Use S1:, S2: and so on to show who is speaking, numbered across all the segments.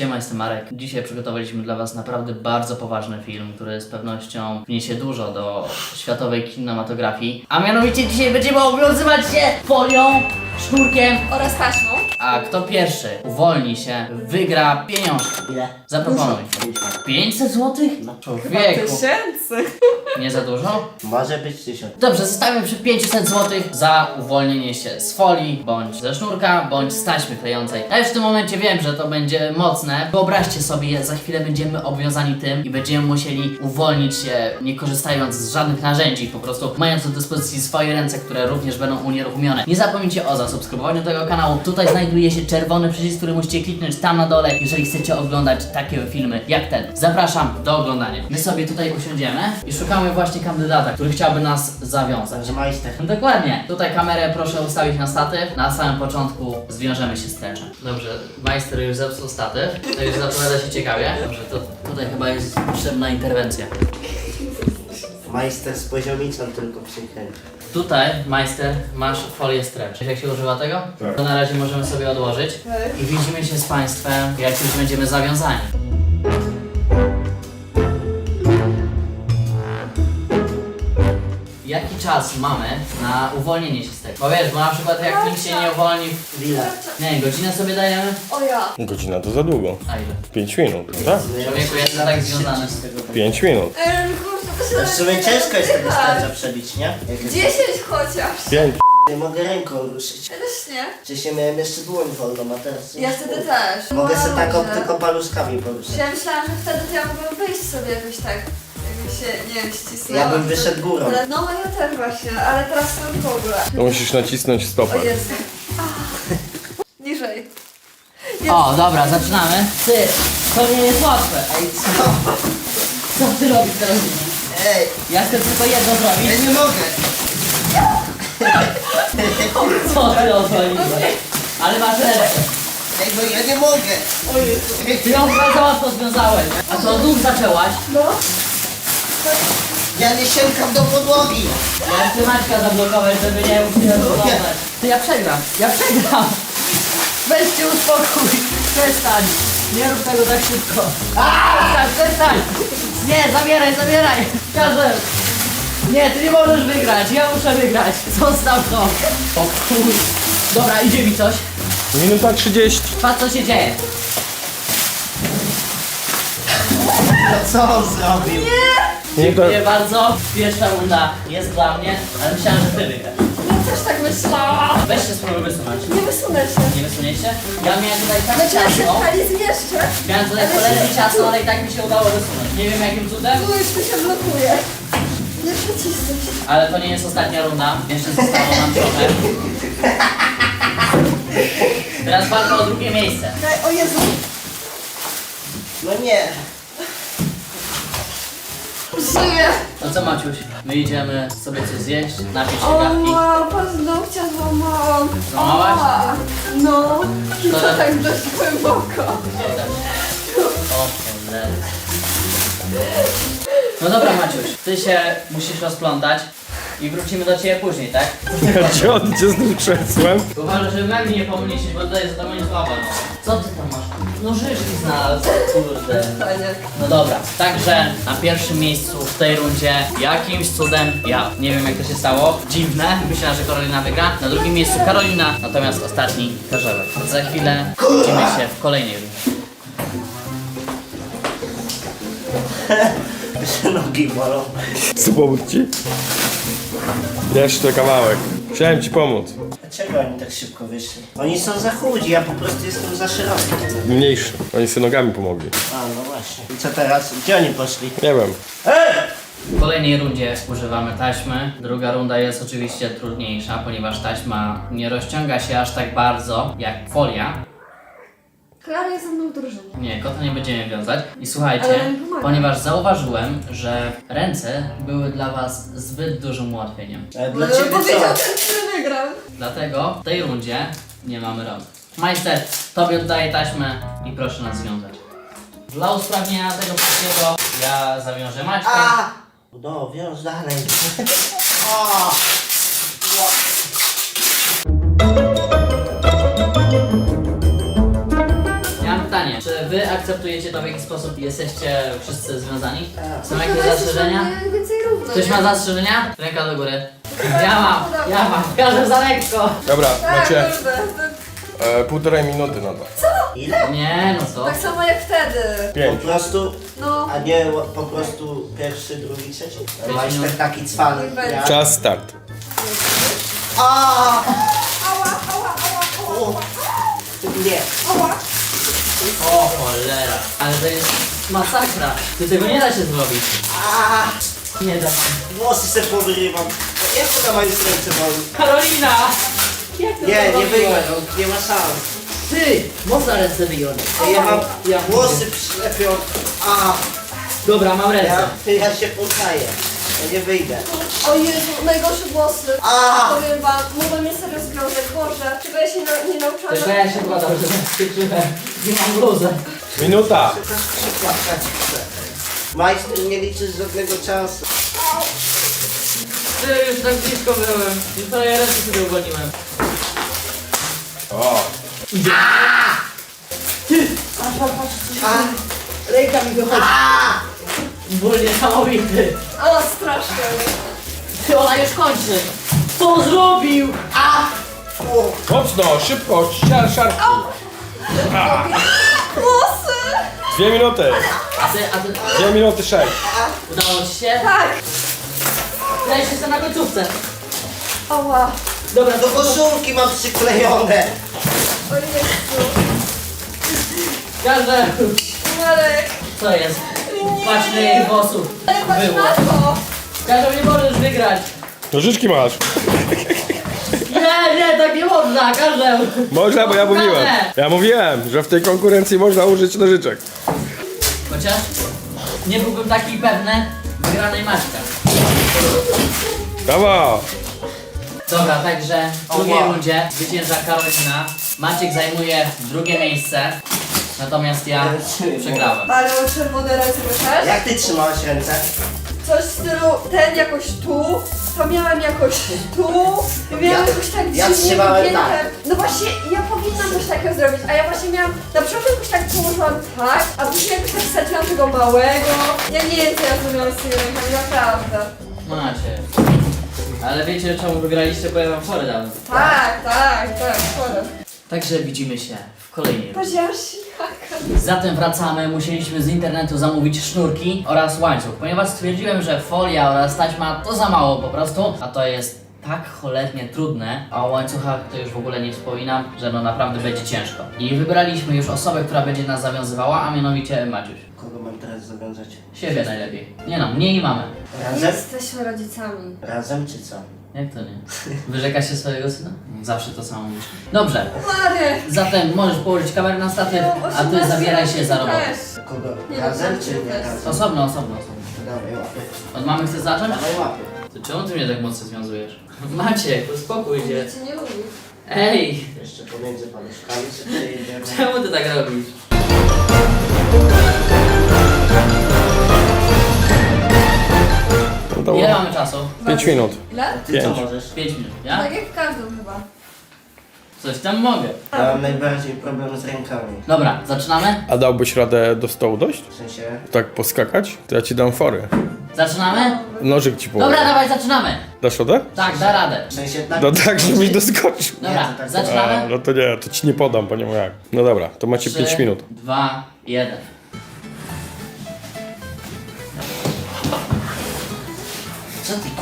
S1: Siema, jestem Marek. Dzisiaj przygotowaliśmy dla Was naprawdę bardzo poważny film, który z pewnością wniesie dużo do światowej kinematografii. A mianowicie dzisiaj będziemy obowiązywać się folią, sznurkiem
S2: oraz taśmą.
S1: A kto pierwszy uwolni się, wygra pieniążki.
S3: Ile?
S1: Zaproponuj. 500 zł?
S3: No.
S1: Człowieku.
S2: Tysięcy.
S1: Nie za dużo?
S3: Może być 1000.
S1: Dobrze, zostawiam przy 500 zł za uwolnienie się z folii, bądź ze sznurka, bądź z taśmy klejącej. Ja już w tym momencie wiem, że to będzie mocne. Wyobraźcie sobie, za chwilę będziemy obwiązani tym i będziemy musieli uwolnić się, nie korzystając z żadnych narzędzi, po prostu mając do dyspozycji swoje ręce, które również będą unieruchomione. Nie zapomnijcie o zasubskrybowaniu tego kanału. Tutaj znajduje się czerwony przycisk, który musicie kliknąć tam na dole, jeżeli chcecie oglądać takie filmy jak ten. Zapraszam do oglądania. My sobie tutaj usiądziemy i szukamy właśnie kandydata, który chciałby nas zawiązać.
S3: Także majster.
S1: Dokładnie. Tutaj kamerę proszę ustawić na statyw. Na samym początku zwiążemy się stręczem. Dobrze, majster już zepsuł statyw. To już zapowiada się ciekawie. Dobrze, to tutaj chyba jest potrzebna interwencja.
S3: Majster z poziomicą tylko przykręci.
S1: Tutaj, majster, masz folię stretch. Wiesz, jak się używa tego?
S4: Tak.
S1: To na razie możemy sobie odłożyć. I widzimy się z Państwem, jak już będziemy zawiązani. Jaki czas mamy na uwolnienie się z tego? Bo wiesz, bo na przykład jak nikt się nie uwolni...
S3: Ile?
S1: Nie, godzinę sobie dajemy?
S2: O ja.
S4: Godzina to za długo.
S1: A ile?
S4: 5 minut, tak?
S1: Człowieku, jestem tak związany.
S4: 5 minut.
S2: Kurczę,
S3: To w sumie ciężko jest tego starcza przebić, nie? Jak jest...
S2: 10 chociaż.
S4: 5.
S3: Nie mogę ręką ruszyć.
S2: Ja też nie.
S3: Wcześniej miałem jeszcze dłoń wolną, a teraz...
S2: Ja wtedy też.
S3: Mogę sobie tak
S2: Dobrze.
S3: tylko paluszkami poruszać.
S2: Ja myślałam, że wtedy to ja mogłam wyjść sobie jakoś tak. Jakby się, nie wiem, ścisnęła.
S3: Ja bym wyszedł górą.
S2: Ale, no ja też właśnie, ale teraz to w ogóle.
S4: To musisz nacisnąć stopę.
S2: O Jezu. Niżej.
S1: O, dobra, zaczynamy. Ty, to nie jest łatwe.
S3: Ej, co?
S1: Co ty robisz teraz?
S3: Ej,
S1: Ja chcę tylko jedno
S3: ja
S1: zrobić.
S3: nie mogę.
S1: Co ty odwaliłeś? Ale masz ręce.
S3: Ej, no ja nie mogę.
S1: Ty ją bardzo łatwo związałeś. A to od nóg zaczęłaś?
S2: No.
S3: Ja nie sięgam do podłogi.
S1: Ja chcę Maćka zablokować, żeby nie mógł się rozbudować. Ty, ja przegram. Weź się uspokój. Przestań. Nie rób tego tak szybko. Przestań. Nie, zabieraj. Każę. Nie, ty nie możesz wygrać. Ja muszę wygrać. Zostaw to. O kur... Dobra, idzie mi coś.
S4: Minuta 30.
S1: Patrz, co się dzieje.
S3: No co on zrobił?
S4: Nie to...
S1: Dziękuję bardzo. Pierwsza runda jest dla mnie, ale myślałem, że ty wygrasz.
S2: Ja też tak myślałam.
S1: Weź się spróbuj wysunąć.
S2: Nie wysunę się.
S1: Nie wysuniesz się? Ja miałem tutaj tak
S2: Znaczy ja się
S1: ciasno.
S2: pali zmieszczę.
S1: Miałem tutaj cholernie ciasno, ale i tak mi się udało wysunąć. Nie wiem jakim cudem,
S2: Tu już tu się blokuje. Nie przycisnę się.
S1: ale to nie jest ostatnia runda. Jeszcze zostało nam trochę. Teraz walka o drugie miejsce.
S2: Daj, o Jezu.
S3: No nie.
S2: Żyję.
S1: No co Maciuś? My idziemy sobie coś zjeść, napić się
S2: O
S1: kawki.
S2: wow, paznokcia złamałam.
S1: Złamałaś?
S2: Ała. No. I to
S1: Szkoda.
S2: tak dość głęboko.
S1: O cholera. No dobra Maciuś, ty się musisz rozplątać i wrócimy do ciebie później, tak?
S4: Gdzie odjdzie z tym krzesłem?
S1: Uważaj, żeby memi nie pomylić, bo tutaj jest to moim słabem. Co ty tam masz? Nożyczki znalazł, kurde.
S2: Fajnie.
S1: No dobra, także na pierwszym miejscu w tej rundzie jakimś cudem ja. Nie wiem jak to się stało, dziwne, myślałem, że Karolina wygra. Na drugim miejscu Karolina, natomiast ostatni Karzełek. Za chwilę widzimy się w kolejnej rundzie.
S3: Nogi bolą.
S4: Co pomóc ci? Jeszcze kawałek. Chciałem ci pomóc.
S3: Dlaczego oni tak szybko wyszli? Oni są za chudzi, ja po prostu jestem za szeroki.
S4: Mniejszy. Oni sobie nogami pomogli.
S3: A, no właśnie. I co teraz? Gdzie oni poszli?
S4: Nie wiem.
S1: W kolejnej rundzie używamy taśmy. Druga runda jest oczywiście trudniejsza, ponieważ taśma nie rozciąga się aż tak bardzo jak folia.
S2: Klara jest ze mną w drużynie.
S1: Nie, kota nie będziemy wiązać. I słuchajcie,
S2: Ale mi pomaga.
S1: ponieważ zauważyłem, że ręce były dla was zbyt dużym ułatwieniem.
S3: Ale dla ciebie
S2: Powiedział
S3: co?
S2: ten, który wygrał.
S1: Dlatego w tej rundzie nie mamy rąk. Majster, tobie oddaję taśmę i proszę nas związać. Dla usprawnienia tego wszystkiego ja zawiążę Maćka.
S3: A! No, wiąż dalej. O!
S1: Ja mam pytanie, czy wy akceptujecie to, w jaki sposób jesteście wszyscy związani?
S3: Tak.
S1: Są jakieś
S2: Chyba jesteś
S1: zastrzeżenia?
S2: mniej więcej równo,
S1: Ktoś
S2: nie?
S1: ma zastrzeżenia? Ręka do góry. Ja mam. Każdy za lekko.
S4: Dobra,
S2: Tak,
S4: macie
S2: kurde.
S4: 1,5 minuty na to.
S3: Ile?
S1: Nie, no co?
S2: Tak samo jak wtedy.
S3: Po
S4: 5.
S3: prostu,
S2: No.
S3: a nie po prostu pierwszy, drugi, trzeci?
S1: Pięć
S3: Majster
S1: minut.
S3: taki cwany. Ja.
S4: Czas start.
S3: A!
S2: Ała, ała, ała, ała,
S3: O! Nie.
S2: ała.
S1: O cholera. Ale to jest masakra. Ty tego nie da się zrobić.
S3: A!
S1: Nie da się.
S3: Włosy se powyrywam. Jak to na moim serce boli?
S1: Karolina! Jak ty to
S3: Nie, nie
S1: zrobiłaś?
S3: wyjmę, no, nie ma szans.
S1: Ty! Można ręce wyjąć.
S3: Ja mam
S1: Ja
S3: włosy przylepią. A!
S1: Dobra, mam ręce.
S3: Ja się poddaję. Ja nie wyjdę.
S2: O Jezu, najgorsze włosy.
S3: A!
S2: Powiem wam, mógłbym mieć serio związek. Boże, czego ja się nie nauczyłam.
S1: Tylko ja się kładam, że skończyłem. Nie mam bluzy.
S4: Minuta.
S3: Majster nie liczy z żadnego czasu.
S1: Ty, już tak blisko byłem. Już prawie ręce sobie uwolniłem.
S4: O.
S1: Ręka mi wychodzi. Ból niesamowity.
S2: O, strasznie.
S1: Ty, ona już kończy. Co on zrobił?
S4: Mocno, szybko, szarpnij.
S2: Włosy!
S4: 2 minuty.
S1: A ty
S4: 2 minuty 6.
S1: udało ci się?
S2: Tak.
S1: Ja jeszcze jestem na końcówce.
S2: Ała.
S1: Dobra,
S3: Do koszulki mam przyklejone.
S2: O Jezu.
S1: Każde.
S2: Marek.
S1: Co jest? Patrz na jej włosów.
S2: Ale patrz
S1: Było.
S2: na to.
S1: Każdy nie możesz wygrać.
S4: Nożyczki masz.
S1: Nie, tak nie można, każdy.
S4: Można, bo ja mówiłem. Ja mówiłem, że w tej konkurencji można użyć nożyczek.
S1: Chociaż nie byłbym taki pewny wygranej Maćka.
S4: Brawo.
S1: Dobra, także w drugiej
S3: wow.
S1: rundzie zwycięża Karolina. Maciek zajmuje drugie miejsce, natomiast ja przegrałem.
S2: Ale mam czerwone ręce, wiesz?
S3: Jak ty trzymałaś ręce?
S2: Coś w stylu, ten jakoś tu, to miałem jakoś tu, miałem
S3: Ja-
S2: jakoś tak
S3: ja
S2: dziwnie
S3: trzymałem
S2: wygięte.
S3: tak.
S2: No właśnie, ja powinnam coś takiego zrobić, a ja właśnie miałam, na początku jakoś tak położyłam tak, a później jakoś tak wsadziłam tego małego. Ja nie wiem, co ja zrobiłam z tymi rękami, naprawdę.
S1: Macie. Ale wiecie czemu wygraliście, bo ja wam fory dałem.
S2: Tak, szkoda.
S1: Także widzimy się w kolejnej rundzie.
S2: Powiedziałam śniaka.
S1: Zatem wracamy, musieliśmy z internetu zamówić sznurki oraz łańcuch, ponieważ stwierdziłem, że folia oraz taśma to za mało po prostu, a to jest tak cholernie trudne, a o łańcuchach to już w ogóle nie wspominam, że no naprawdę będzie ciężko. I wybraliśmy już osobę, która będzie nas zawiązywała, a mianowicie Maciuś.
S3: Kogo mam teraz zawiązać?
S1: Siebie najlepiej. Nie no, mnie i mamę.
S2: Nie
S3: Razem?
S2: jesteśmy rodzicami.
S3: Razem czy co?
S1: Jak to nie? Wyrzekasz się swojego syna? Zawsze to samo mówisz. Dobrze,
S2: Marek!
S1: zatem możesz położyć kamerę na statyw,
S2: No,
S1: a ty
S2: 18
S1: zabieraj się za robotę.
S2: też.
S3: Kogo?
S2: Nie,
S3: Razem
S2: no,
S3: czy nie
S2: też.
S3: razem?
S1: Osobno.
S3: Dawaj łapy.
S1: Od mamy chcesz zacząć?
S3: Dawaj łapy.
S1: To czemu ty mnie tak mocno związujesz? Maciek, uspokój się.
S2: Ja cię nie lubię.
S1: Ej,
S3: Jeszcze pomiędzy paluszkami sobie przejedziemy.
S1: czemu ty tak robisz?
S4: No to
S1: Ile
S4: było
S1: mamy czasu?
S4: 5 minut.
S2: Ile?
S3: Ty co
S4: 5.
S3: możesz?
S1: 5 minut, ja?
S2: Tak jak w każdym chyba.
S1: Coś tam mogę.
S3: Ja mam najbardziej problem z rękami.
S1: Dobra, zaczynamy?
S4: A dałbyś radę do stołu dojść?
S3: W sensie...
S4: Tak poskakać? To ja ci dam fory.
S1: Zaczynamy?
S4: Nożyk ci położę.
S1: Dobra, dawaj, zaczynamy.
S4: Dasz radę?
S1: Tak, da radę.
S3: W sensie tak...
S4: No tak, żebyś doskoczył.
S1: Dobra,
S3: to tak-
S4: A,
S1: zaczynamy?
S4: no to nie, to ci nie podam, bo nie ma jak. No dobra, to macie 5
S1: 3,
S4: minut.
S1: 2, 1.
S3: Co ty...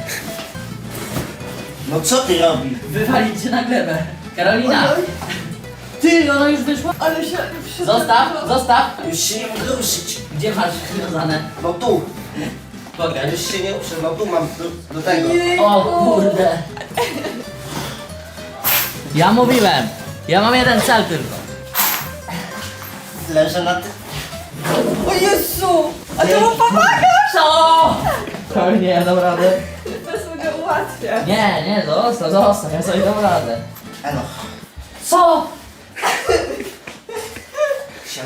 S3: No co ty robisz?
S1: Wywalić cię na glebę. Karolina!
S2: Oj,
S1: Ty, ona już wyszła?
S2: ale się...
S1: Zostaw.
S3: Już się nie mogę ruszyć.
S1: Gdzie masz związane?
S3: No tu. Ja
S1: Pokaż.
S3: już się nie ruszę, no tu mam do tego.
S1: O kurde. Ja mówiłem. Ja mam jeden cel tylko.
S3: Leżę na tym.
S2: O Jezu! A to mu pomaga!
S1: Co? To nie, ja dam radę.
S2: To sobie ułatwia.
S1: Nie, zostaw, ja sobie dam radę.
S3: Elo.
S1: Co?
S3: Siema.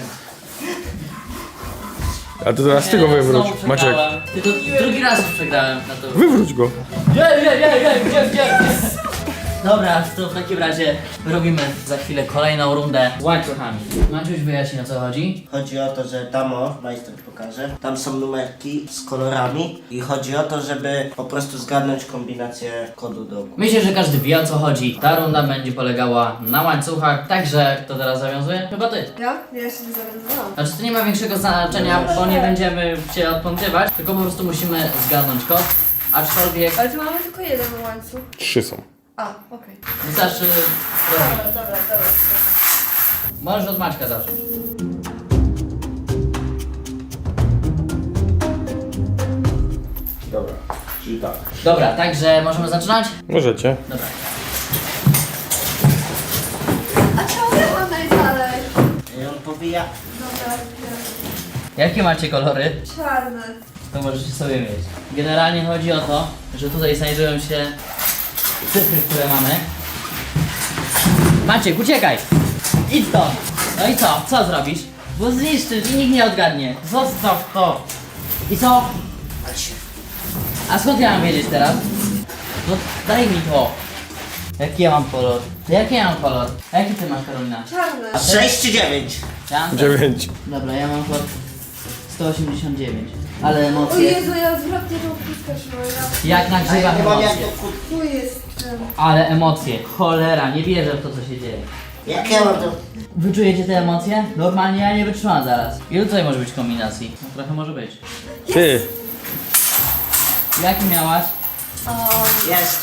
S4: A ty teraz ty go
S1: Nie,
S4: wywróć.
S1: znowu
S4: Maciek,
S1: przegrałem. Ty to drugi raz już przegrałem na to.
S4: wywróć go.
S1: Nie. Dobra, to w takim razie robimy za chwilę kolejną rundę z łańcuchami. Maciuś wyjaśni, o co chodzi.
S3: Chodzi o to, że tam o, majster pokaże, tam są numerki z kolorami i chodzi o to, żeby po prostu zgadnąć kombinację kodu do ogółu.
S1: Myślę, że każdy wie, o co chodzi. Ta runda będzie polegała na łańcuchach, także kto teraz zawiązuje? Chyba ty.
S2: Ja? Ja jeszcze nie zawiązałam.
S1: Znaczy to nie ma większego znaczenia, bo nie będziemy cię odpątywać, tylko po prostu musimy zgadnąć kod, aczkolwiek
S2: Ale tu mamy tylko jeden łańcuch.
S4: 3 są.
S2: A, okej.
S1: wystarczy...
S2: Dobra.
S1: Możesz od Maćka zacząć.
S4: Dobra, czyli tak.
S1: Dobra, także możemy zaczynać?
S4: Możecie.
S1: Dobra.
S2: A czemu ja mam najdalej?
S3: I on powija.
S2: Dobra,
S1: Jakie macie kolory?
S2: czarny.
S1: To możecie sobie mieć. Generalnie chodzi o to, że tutaj znajdują się cyfry, które mamy. Maciek, uciekaj! Idź stąd! No i co? Co zrobisz? Bo zniszczysz i nikt nie odgadnie. Zostaw to! I co? A skąd ja mam wiedzieć teraz? No daj mi to! Jaki ja mam kolor? To jaki ja mam kolor? A jaki ty masz, Karolina?
S2: Czarny.
S3: 6 czy 9?
S1: Ja mam
S4: 9.
S1: Dobra, ja mam kolor 189. Ale
S2: O
S1: emocje...
S2: Jezu, ja zwrotnie tą kutkę trzymam.
S1: Jak
S3: A ja
S1: nagrzewam
S3: nie mam jak
S1: emocje.
S3: to kut...
S2: Tu jest ten.
S1: Ale emocje, cholera, nie wierzę w to, co się dzieje.
S3: Jak ja mam to...
S1: Wyczujecie te emocje? Normalnie ja nie wytrzymam zaraz. Ile tutaj może być kombinacji? No, trochę może być.
S4: Ty.
S1: Jaki miałaś?
S3: Jest.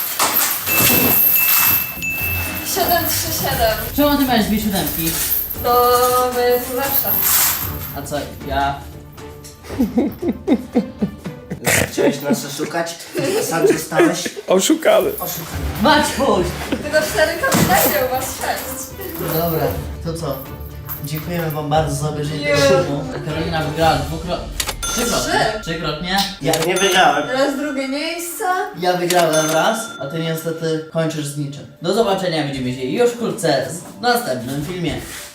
S2: 737.
S1: Czemu ty miałeś dwie siódemki?
S2: No, bo jest lepsza.
S1: A co, ja...
S3: Chciałeś nas oszukać, a sam zostałeś
S4: Oszukany.
S3: oszukany.
S1: Maćkuś!
S2: Tylko 4 kombinacje, u was 6.
S1: Dobra, to co? Dziękujemy wam bardzo za obejrzenie
S2: Nie.
S1: tego filmu. Karolina wygrała trzykrotnie. Trzykrotnie.
S3: Ja nie wygrałem.
S2: Teraz drugie miejsce.
S1: Ja wygrałem raz, a ty niestety kończysz z niczym. Do zobaczenia, widzimy się już wkrótce w następnym filmie.